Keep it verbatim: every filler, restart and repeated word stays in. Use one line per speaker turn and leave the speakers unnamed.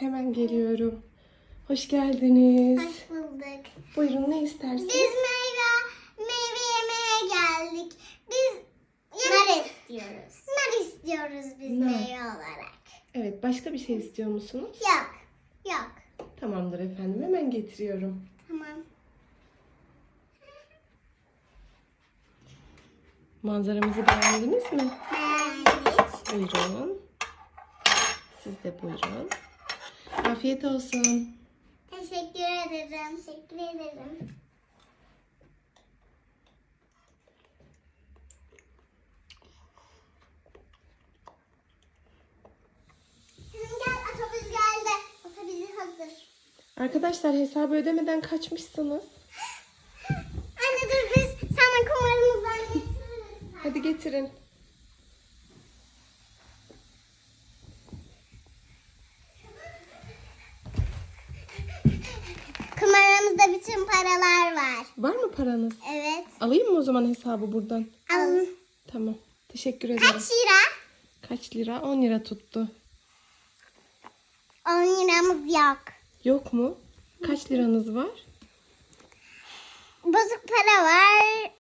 Hemen geliyorum. Hoş geldiniz.
Hoş bulduk.
Buyurun, ne istersiniz?
Biz meyve, meyve yemeye geldik. Biz nar istiyoruz. Nar istiyoruz biz
Nar.
meyve olarak.
Evet, başka bir şey istiyor musunuz?
Yok. Yok.
Tamamdır efendim, hemen getiriyorum.
Tamam.
Manzaramızı beğendiniz mi?
Beğendik.
Buyurun. Siz de buyurun. Afiyet olsun.
Teşekkür ederim. Teşekkür ederim. Kızım gel, otobüs geldi. Otobüs hazır.
Arkadaşlar, hesabı ödemeden kaçmışsınız.
Anne dur, biz sana kumarımızdan getiririz.
Hadi getirin.
Kumarımızda bütün paralar var.
Var mı paranız?
Evet.
Alayım mı o zaman hesabı buradan?
Alın.
Tamam. Teşekkür ederim.
Kaç lira?
Kaç lira? on lira tuttu.
on liramız yok.
Yok mu? Kaç liranız var?
Bozuk para var.